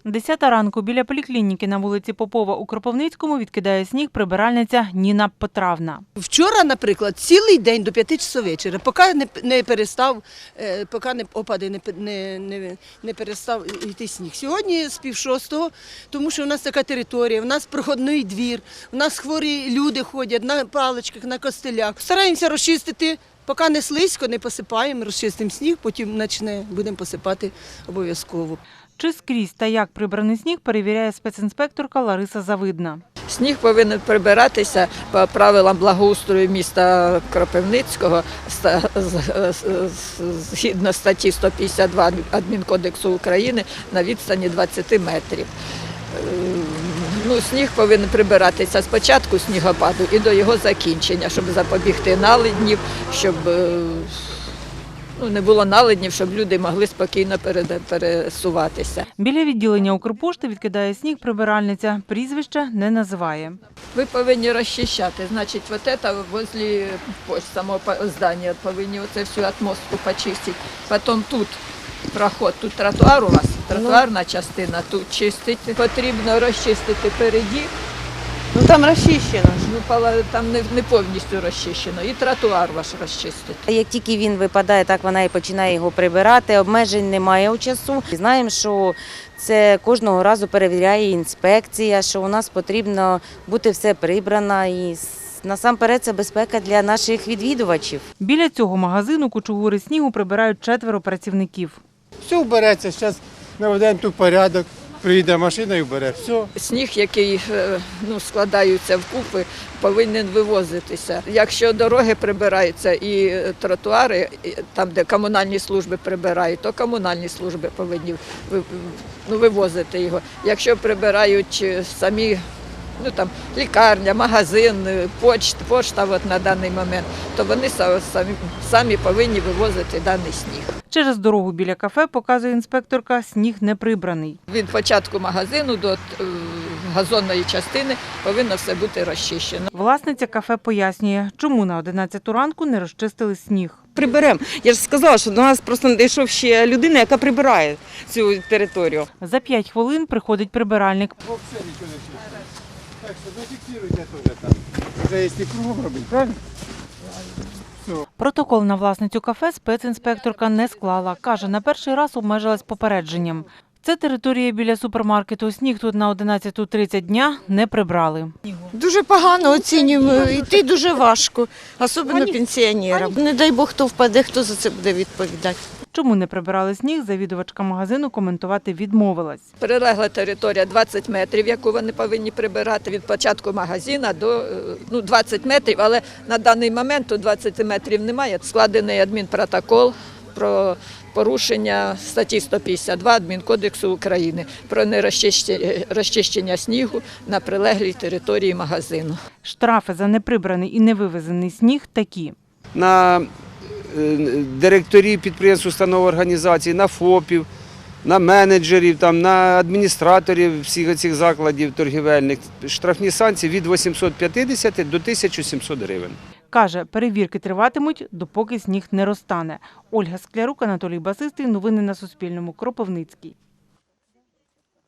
10 ранку біля поліклініки на вулиці Попова у Кропивницькому відкидає сніг прибиральниця Ніна Потравна. Вчора, наприклад, цілий день до 5 часов вечора, поки не перестав, поки опади не перестав йти сніг. Сьогодні з 5:30, тому що у нас така територія, у нас проходний двір, у нас хворі люди ходять на паличках, на костелях. Стараємося розчистити, поки не слизько, не посипаємо, розчистимо сніг, потім будемо посипати обов'язково. Чи скрізь та як прибраний сніг, перевіряє спецінспекторка Лариса Завидна. Сніг повинен прибиратися по правилам благоустрою міста Кропивницького згідно статті 152 Адмінкодексу України на відстані 20 метрів. Сніг повинен прибиратися з початку снігопаду і до його закінчення, щоб запобігти наледнів, щоб не було наледнів, щоб люди могли спокійно пересуватися. Біля відділення Укрпошти відкидає сніг прибиральниця. Прізвище не називає. Ви повинні розчищати. Значить, возле самого здання повинні оце всю атмосферу почистити. Потім тут проход, тут тротуар у вас, тротуарна частина, тут чистити. Потрібно розчистити переді. Там розчищено. Там не повністю розчищено. І тротуар ваш розчистити. Як тільки він випадає, так вона і починає його прибирати. Обмежень немає у часу. Знаємо, що це кожного разу перевіряє інспекція, що у нас потрібно бути все прибрано і насамперед це безпека для наших відвідувачів. Біля цього магазину кучугури снігу прибирають 4 працівників. Все вбереться, зараз наведемо тут порядок, приїде машина і вбере, все. Сніг, який складаються вкупи, повинен вивозитися. Якщо дороги прибираються і тротуари, там, де комунальні служби прибирають, то комунальні служби повинні вивозити його. Якщо прибирають самі лікарня, магазин, пошта на даний момент, то вони самі повинні вивозити даний сніг. Через дорогу біля кафе, показує інспекторка, сніг не прибраний. Від початку магазину до газонної частини повинно все бути розчищено. Власниця кафе пояснює, чому на 11 ранку не розчистили сніг. Приберемо. Я ж сказала, що до нас просто не дійшов ще людина, яка прибирає цю територію. За 5 хвилин приходить прибиральник. Взагалі нічого не чистить. Так що зафіксируйте теж там. Вже якщо кругом робити, правильно? Протокол на власницю кафе спецінспекторка не склала. Каже, на перший раз обмежилась попередженням. Це територія біля супермаркету. Сніг тут на 11:30 дня не прибрали. Дуже погано оцінюємо, йти дуже важко, особливо пенсіонерам. Не дай Бог, хто впаде, хто за це буде відповідати. Чому не прибирали сніг, завідувачка магазину коментувати відмовилась. Прилегла територія 20 метрів, яку вони повинні прибирати від початку магазину до 20 метрів, але на даний момент тут 20 метрів немає. Складений адмінпротокол про порушення статті 152 Адмінкодексу України про нерозчищення снігу на прилеглій території магазину. Штрафи за неприбраний і невивезений сніг такі. На директорів підприємств, установ, організацій, на ФОПів, на менеджерів, на адміністраторів всіх цих закладів торгівельних. Штрафні санкції від 850 до 1700 гривень. Каже, перевірки триватимуть, допоки сніг не розтане. Ольга Склярук, Анатолій Басистий. Новини на Суспільному. Кропивницький.